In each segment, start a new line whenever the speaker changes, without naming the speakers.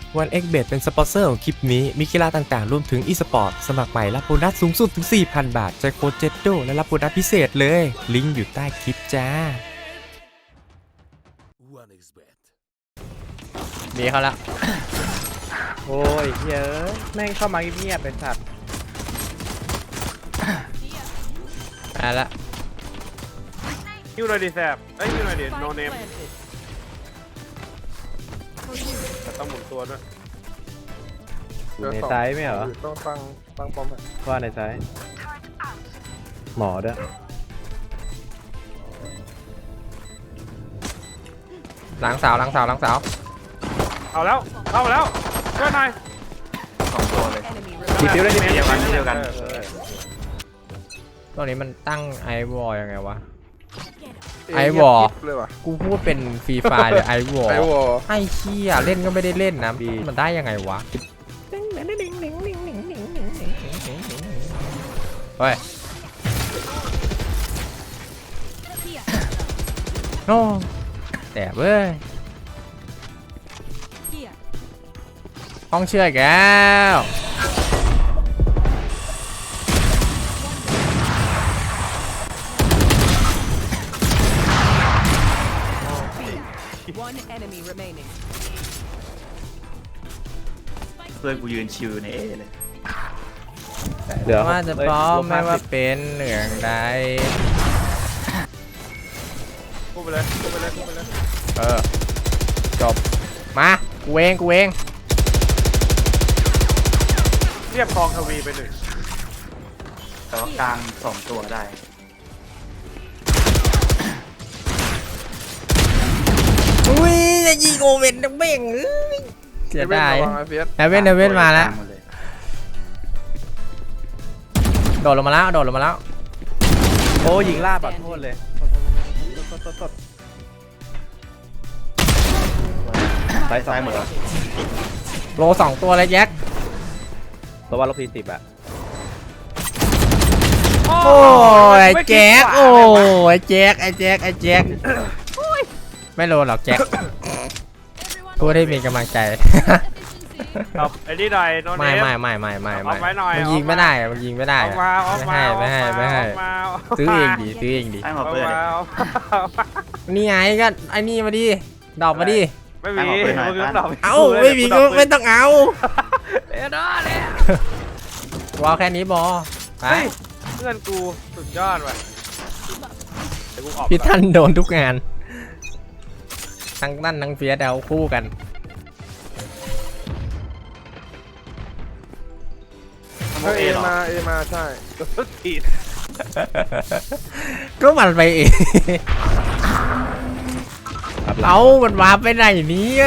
1xBet เป็นสปอนเซอร์ของคลิปนี้มีกีฬาต่างๆรวมถึง e-sport สมัครใหม่รับโบนัสสูงสุดถึง 4,000 บาทใช้โค้ด JETDO และรับโบนัสพิเศษเลยลิงก์อยู่ใต้คลิปจ้า
มีเขาละ
โอ้ยเยอะแม่งเข้ามาเงียบๆเป็นสัตว์
มาละ
ฮิวหน่อยดิแซบเอ้ยฮิวหน่อยดิโนเนมแต่ต้องหมุนตัวด้วย
อยู่ในไซส์ไม่เหรอ
ต้องตั้งป้อมอ่ะ
ว่าในไซส์หมอด้วย
หลังเสาหลังเสาหลังเสา
เอาแล้วเข้าแล้วช่วยหน่อย
ดีฟิวได้ดี
เดียวกันเดียวกัน
ตรงนี้มันตั้งไอวอลยังไงวะ ไอวอลกูพูดเป็นฟรีไฟหรือไอวอลไอเชี่ยเล่นก็ไม่ได้เล่นนะมันได้ยังไงวะเฮ้ยโอ้แต่เว้ยห้องเชื่อแก้ว
เพื่อนกูยืนชิวในเอเลย
เดี๋ยว
ว่าจะพร้อมไม่ว่าเป็นเหลืองใด
พูดไปเลยพูดไปเลยพูดไปเลย
จบมากูเอง
เรียบคลองทวีไปหนึ่ง
แต่ว่ากลาง2 ตัวได้
อุ้ยจะยิงโอเว่นนักเบ่งเสียดายเฮเว่นมาแล้วโดดลงมาแล้ว
โอ้ยิงล่าบัดโทษเลยไซส์
ซ้ายหมดแล้ว
โล2 ตัวเลยแจ็ค
ตัวว่าลบ40อ่ะ
โอ้ยแจ็คโอ้ยแจ็คไอ้แจ็คไม่โลหรอกแจ็คกูได้มีกำลังใจ
เอาไอ้นี่หน่อยโนเนม
ไม่
เอาไว้หน่อย
มันยิงไม่ได้มันยิงไม่ได้
เอามาเอามา
ไม่ให้
เอามา
ซื้อเองดิ
ให้หมด
เอา
เพื่อน
มาเอามา
นี่ไงก็ไอ้นี่มาดิดอกมาดิ
ไม่มีมึงก็ตอบ
เอ้าไม่มีก็ไม่ต้องเอาวอลแค่นี้บอไป
เพื่อนกูสุดยอดว่ะเดี๋ยวกูออก
พี่ท่านโดนทุกงานทั้งนั่นทั้งเฟียสเอาคู่กัน
เอหรอ
เอมาใช่สุดทีด
ก็มันไปเองเอามันวาไปไหนเนี่ย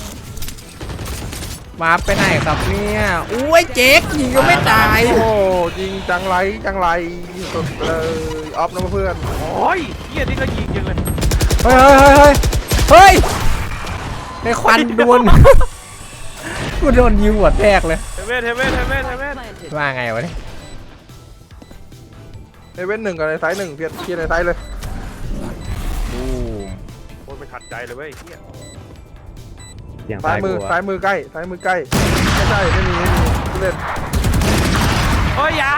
มาไปไหนครับเนี่ยอุ้ยเจ๊กยิงก็ไม่ตาย
โอ้ยิงจังไรสุดเลยออฟนะเพื่อน
โอ้ยเฮียนี่ก็ยิงจังเลย
เฮ้ยในควันดวนกูโดนยิงหัวแตกเลย
เทเว่น
ว่าไงวะเนี่ย
ในเว้นหนึ่งกับในไซส์หนึ่งเพียร์ในไซส์เลย
บูม
โอ้ยไม่ขัดใจเลยเว้ยเฮีย
อย่าง
ซ้ายมือใกล้ไม่ใช่ไม่มีเล่น
โอ้ยยาว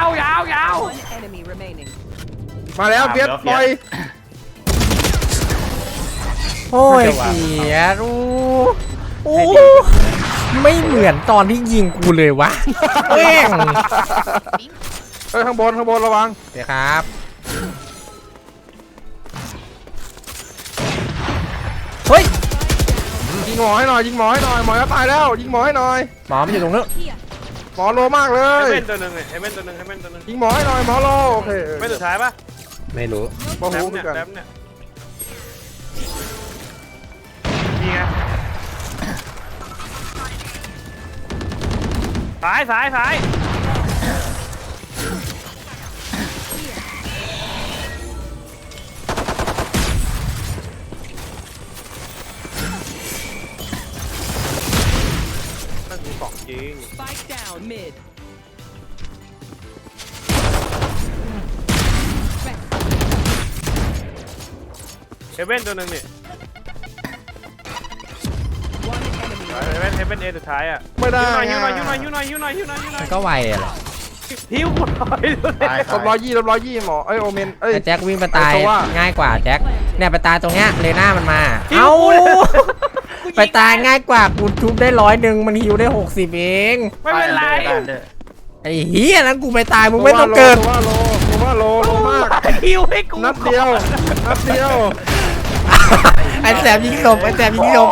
มาแล้วเพียร์ปล่อย
โอ้ยเสียรู้โอ้ไม่เหมือนตอนที่ยิงกูเลยวะแม่ง
เฮ้ยข้างบนระวัง
เดี๋ยวครับเฮ้ย
ยิงหมอให้หน่อยหมอจะตายแล้วยิงหมอให้หน่อย
หมอมันอยู่ตรงนู้น
หมอโลมากเล
เอย เว่นตัวหนึ่งเอเว่นตัวหนึ่ง
ยิงหมอให้หน่อยหมอโลโอเค
ไม่สุดท้ายปะ
ไม่รู้
หมอ
แซ
หู
ม
เหมื
เนี่
อย นกัน
แซมเนี่ยนี่ไงซ้ายนั่นคือของจริง
Spike down mid.
เอเว่นตัวหนึ่งนี่
One enemy
เฮเว่นเอสุดท้ายอ่ะ
ไม่ได้
ฮิวหน่อยฮิวหน่อยฮิวหน่อยฮิวหน่อยฮิวหน่อยฮิวหน่อยฮิวหน่อย
มันก็ไวอะแหละ
ฮิวกูหน่อย
ตาย
ลบ120หมอเอ้ยโอเมนเอ้ย
แต่แจ็ควิ่งไปตาย
ไอ้ตัวว่า
ง่ายกว่าแจ็คเนี่ยไปตายตรงเนี้ยเลน่ามันมาเอ้าไปตายง่ายกว่ากูทุบได้100มันฮิวได้60เอง
ไม่เป็นไร
ได้เด้อ
ไอ้เหี้ยนั้นกูไปตายมึงไม่ต้องเกิด
ว่าโลมาก
ฮิวให้กู
นัดเดียว
ไอ้แสบยิงศพไอ้แสบยิงศพ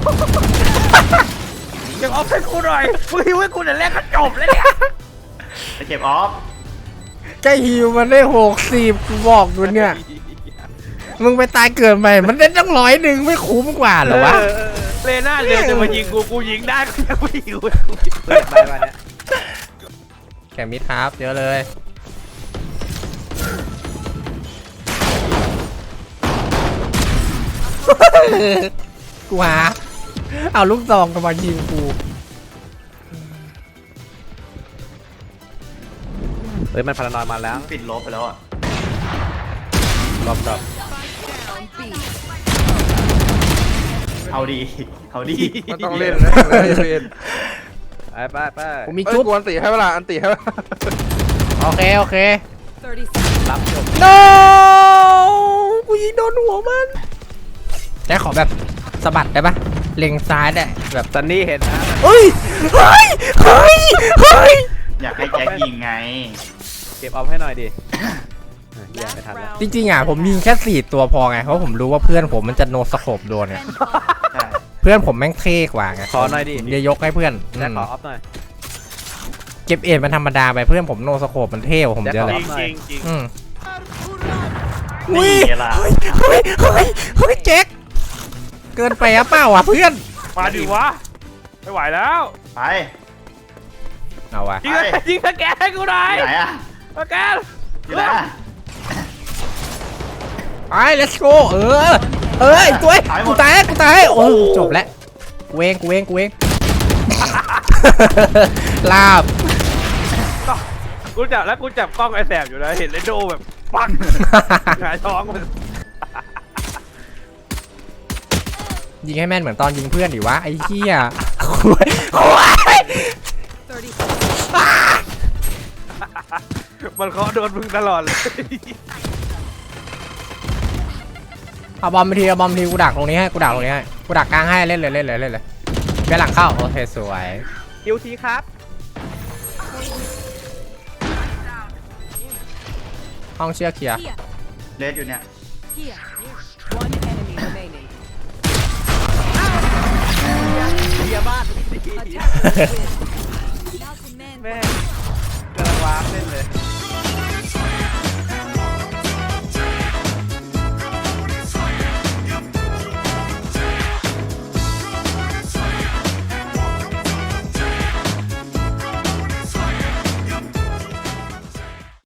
ยังออฟให้กูหน่อยมึงฮิวให้กูแต่แรกก็จบแล้วเนี่ย
ไปเก็บออฟ
ใกล้ฮิวมันได้60กูบอกอยู่เนี่ยมึงไปตายเกิดใหม่มันได้ตั้ง100ไม่คุ้มกว่าเหรอวะ
เลน่าเดินจะมายิงกูยิงได้กูยังไม่ฮิวให้กู
เปิดไปวันเนี้ย
แกมิดครับเยอะเลยกูหาเอาลูกซองกำมายิงกู
เฮ้ยมันพารานอยมาแล้ว
ปิดลบไปแล้วอ่ะ
รอบ
เอาดีเอาดี
มันต้องเล่นนะเล่น
ไป
กูมี
เอ้ย
จุ๊บ
กวนตีให้เวลาอันตีให้เวลา
โอเคโอเค
รับจบ
no กูยิงโดนหัวมันแจ็คขอแบบสะบัดได้ปะเล็งซ้ายได้แบบ
ซันนี่เห็นนะ
เฮ้ยเฮ้ยเฮ้ยเฮ้ย
อยากให้แจ็คยิงไง
เก็บออฟให้หน่อยดิเหี้ยไม่ทันแล้ว
จริงๆอ่ะผมยิงแค่4ตัวพอไงเพราะผมรู้ว่าเพื่อนผมมันจะโนสโคปโดนไง
ใช่
เพื่อนผมแม่งเท่กว่าไง
ขอหน่อยดิ
ผมจะยกให้เพื่อน
แจ็คขอออฟหน่อย
เก็บเอ็ดมันธรรมดาไปเพื่อนผมโนสโคปมันเท่กว่าผมเยอะ
จ
เลย
ริงจริงจริง
อืม
นี่ไงล่ะ
เฮ้ยเจ๊กเกินไปอะเปล่าวะเพื่อน
มาดิวะไม่ไหวแล้ว
ไป
เอาวะ
ยิงสแกนให้กูหน่อย
ที่ไหนอ่ะ
สแกน
ที่ไหนอ่ะ
ไป let's go ไอ้ตัวกูตายโอ้จบแล้วกูเอง ลาบ
กูจับแล้วกูจับกล้องไอ้แสบอยู่นะเห็นเลโดแบบปังหงายท้องมัน
ยิงให้แม่นเหมือนตอนยิงเพื่อนดิวะไอ้เหี้ย
มันเคาะโดนมึงตลอดเลย
เอาบอมไปทีกูดักตรงนี้ให้กูดักกลางให้เล่นเลยไปหลังเข้าโอเคสวย
คิวทีครับ
ห้องเชือกเคลียร์
เลสอยู่เนี่ย
One enemy remaining.
เฮียบ้าน
Attackers win.